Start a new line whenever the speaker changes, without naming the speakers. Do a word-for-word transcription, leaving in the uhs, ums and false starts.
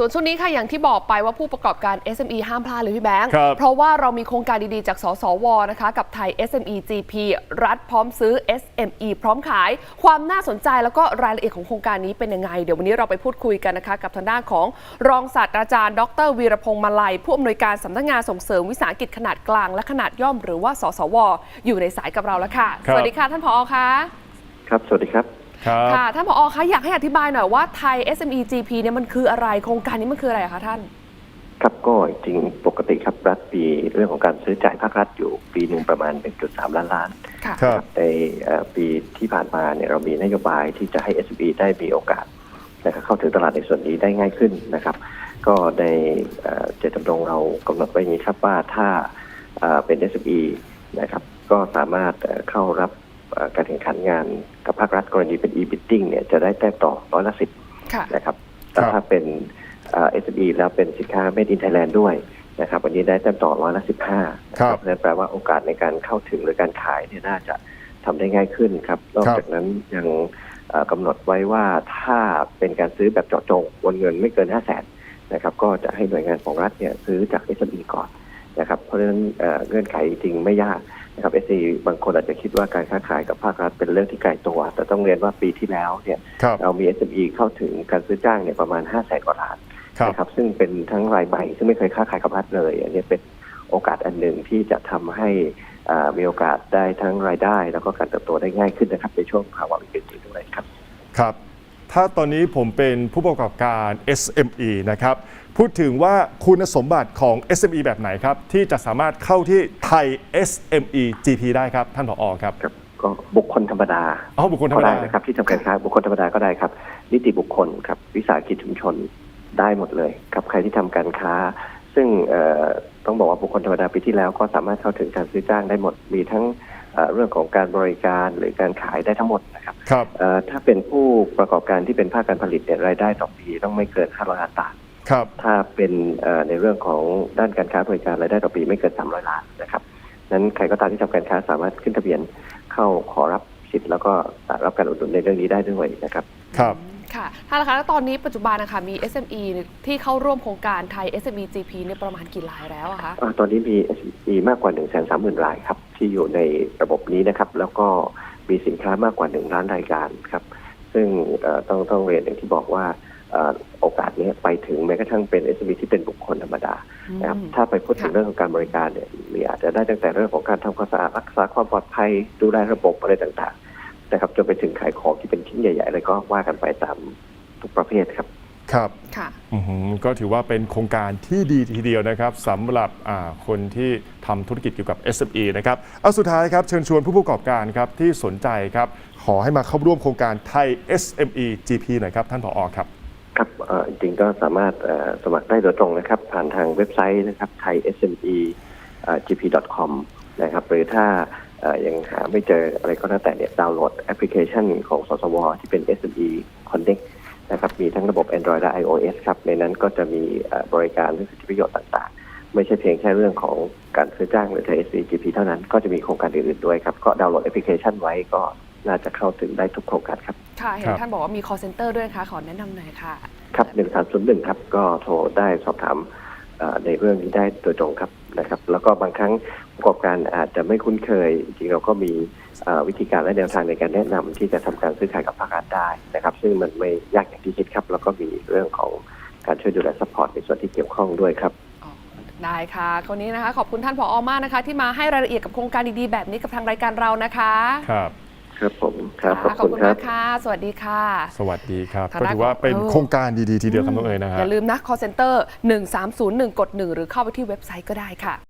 ส่วนช่วงนี้ค่ะอย่างที่บอกไปว่าผู้ประกอบการ เอส เอ็ม อี ห้ามพลาดเลยพี่แบงค์เพราะว่าเรามีโครงการดีๆจากสสวนะคะกับไทย เอส เอ็ม อี จี พี รัฐพร้อมซื้อ เอส เอ็ม อี พร้อมขายความน่าสนใจแล้วก็รายละเอียดของโครงการนี้เป็นยังไงเดี๋ยววันนี้เราไปพูดคุยกันนะคะกับทางด้านของรองศาสตราจารย์ดรวีรพงษ์มาลัยผู้อำนวยการสำนักงานส่งเสริมวิสาหกิจขนาดกลางและขนาดย่อมหรือว่าสสวอยู่ในสายกับเราแล้วค่ะสวัสดีค่ะท่านผอ.คะ
ครับสวัสดีครับ
ค่ะท่านผอ.คะอยากให้อธิบายหน่อยว่าไทย เอส เอ็ม อี จี พี เนี่ยมันคืออะไรโครงการนี้มันคืออะไรคะท่าน
ครับก็จริงปกติครับรัฐปีเรื่องของการซื้อจ่ายภาครัฐอยู่ปีหนึ่งประมาณ หนึ่งจุดสาม ล้านล้านครับในปีที่ผ่านมาเนี่ยเรามีนโยบายที่จะให้ เอส เอ็ม อี ได้มีโอกาสนะครับเข้าถึงตลาดในส่วนนี้ได้ง่ายขึ้นนะครับก็ในเจตจำนงเรากำหนดไว้อย่างนี้ครับว่าถ้าเป็น เอส เอ็ม อี นะครับก็สามารถเข้ารับการแข่งขันงานกับภาครัฐกรณีเป็น e-bidding เนี่ยจะได้แต้มต่อร้อยละสิบนะครับแต่ถ้าเป็น เอส เอ็ม อี แล้วเป็นสินค้า Made in Thailand ด้วยนะครับวันนี้ได้แต้มต่อร้อยละสิบห้าครับนั่นแปลว่าโอกาสในการเข้าถึงหรือการขายเนี่ยน่าจะทำได้ง่ายขึ้นครับนอกจากนั้นยังกำหนดไว้ว่าถ้าเป็นการซื้อแบบเจาะจงวงเงินไม่เกิน ห้าแสน นะครับก็จะให้หน่วยงานของรัฐเนี่ยซื้อจาก เอส เอ็ม อี ก่อนนะครับเพราะฉะนั้นเงื่อนไขจริงไม่ยากนะครับ เอส เอ็ม อี บางคนอาจจะคิดว่าการค้าขายกับภาครัฐเป็นเรื่องที่ไกลตัวแต่ต้องเรียนว่าปีที่แล้วเนี่ยเรามี เอส เอ็ม อี เข้าถึงการซื้อจ้างเนี่ยประมาณ ห้าแสน กว่าล้านนะครับซึ่งเป็นทั้งรายใหม่ซึ่งไม่เคยค้าขายกับรัฐเลยอันนี้เป็นโอกาสอันหนึ่งที่จะทำให้มีโอกาสได้ทั้งรายได้แล้วก็การเติบโตได้ง่ายขึ้นนะครับในช่วงภาวะวิกฤตนี้ด้วยครับ
ครับถ้าตอนนี้ผมเป็นผู้ประกอบการ เอส เอ็ม อี นะครับพูดถึงว่าคุณสมบัติของ เอส เอ็ม อี แบบไหนครับที่จะสามารถเข้าที่ไทย เอส เอ็ม อี จี พี ได้ครับท่านผอ.ครับ
ก็บุคคลธรรมดา
อ๋อบุคคลธรรมดา
นะครับที่ทำการค้าบุคคลธรรมดาก็ได้ครับนิติบุคคลครับวิสาหกิจชุมชนได้หมดเลยครับใครที่ทำการค้าซึ่งต้องบอกว่าบุคคลธรรมดาปีที่แล้วก็สามารถเข้าถึงการซื้อจ้างได้หมดมีทั้งเรื่องของการบริการหรือการขายได้ทั้งหมดนะครับถ้าเป็นผู้ประกอบการที่เป็นภาคการผลิตเนี่ยรายได้ต่อปีต้องไม่เกินห้าร้อยล้านบาทถ้าเป็นในเรื่องของด้านการค้าบริการรายได้ต่อปีไม่เกินสามร้อยล้านนะครับนั้นใครก็ตามที่ทำการค้าสามารถขึ้นทะเบียนเข้าขอรับสิทธิ์แล้วก็รับการอุดหนุนในเรื่องนี้ได้ด้วยนะครับ
ครับ
ค่ะท่านคะแล้วตอนนี้ปัจจุบันนะคะมี เอส เอ็ม อี ที่เข้าร่วมโครงการไทย เอส เอ็ม อี จี พี เนี่ยประมาณกี่รายแล้วอะคะ
ตอนนี้มี เอส เอ็ม อี มากกว่า หนึ่งแสนสามหมื่น รายครับที่อยู่ในระบบนี้นะครับแล้วก็มีสินค้ามากกว่าหนึ่งล้านรายการครับซึ่งต้องต้องเรียนอย่างที่บอกว่าโอกาสนี้ไปถึงแม้กระทั่งเป็น เอส เอ็ม อี ที่เป็นบุคคลธรรมดานะครับถ้าไปพูดถึงเรื่องของการบริการเนี่ยมีอาจจะได้ตั้งแต่เรื่องของการทำความสะอาดรักษาความปลอดภัยดูแลระบบอะไรต่างๆนะครับจนไปถึงขายของที่เป็นชิ้นใหญ่ๆอะไรก็ว่ากันไปตามทุกประเภทครับ
ครับค่ะก็ถือว่าเป็นโครงการที่ดีทีเดียวนะครับสำหรับคนที่ทำธุรกิจเกี่ยวกับ เอส เอ็ม อี นะครับเอาสุดท้ายครับเชิญชวนผู้ประกอบการครับที่สนใจครับขอให้มาเข้าร่วมโครงการไทย เอส เอ็ม อี จี พี หน่อยครับท่านผอ.ครับ
ครับจริงๆก็สามารถสมัครได้โดยตรงนะครับผ่านทางเว็บไซต์นะครับ ไทย เอส เอ็ม อี จี พี ดอท คอม นะครับหรือถ้ายังหาไม่เจออะไรก็แล้วแต่เนี่ยดาวน์โหลดแอปพลิเคชันของสสวที่เป็น เอส เอ็ม อี Connect นะครับมีทั้งระบบ Android และ iOS ครับในนั้นก็จะมีบริการและสิทธิประโยชน์ต่างๆไม่ใช่เพียงแค่เรื่องของการซื้อจ้างหรือ ไทย เอส เอ็ม อี จี พี เท่านั้นก็จะมีโครงการอื่นๆด้วยครับก็ดาวน์โหลดแอปพลิเคชันไว้ก็น่าจะเข้าถึงได้ทุกโครงการครับ
ค่ะเห็นท่านบอกว่ามี call center ด้วยนะคะขอแนะนำหน่อยค่ะ
ครับหนึ่งสามศูนย์หนึ่งครับก็โทรได้สอบถามในเรื่องนี้ได้โดยตรงครับนะครับแล้วก็บางครั้งประกอบการอาจจะไม่คุ้นเคยจริงๆเราก็มีวิธีการและแนวทางในการแนะนำที่จะทำการซื้อขายกับภาครัฐได้นะครับซึ่งมันไม่ยากอย่างที่คิดครับแล้วก็มีเรื่องของการช่วยดูแลซัพพอร์ตในส่วนที่เกี่ยวข้องด้วยครับ
ได้ค่ะคนนี้นะคะขอบคุณท่านผอ.มากนะคะที่มาให้รายละเอียดกับโครงการดีๆแบบนี้กับทางรายการเรานะคะ
ครับ
ครับผมครับ
ขอบคุณมากค่ะสวัสดีค่ะ
สวัสดีครับก็ถือว่าเป็นโครงการดีๆทีเดียวครับน้องเอ๋ยนะฮะ
อย่าลืมนะ call center หนึ่งสามศูนย์หนึ่งกดหนึ่งหรือเข้าไปที่เว็บไซต์ก็ได้ค่ะ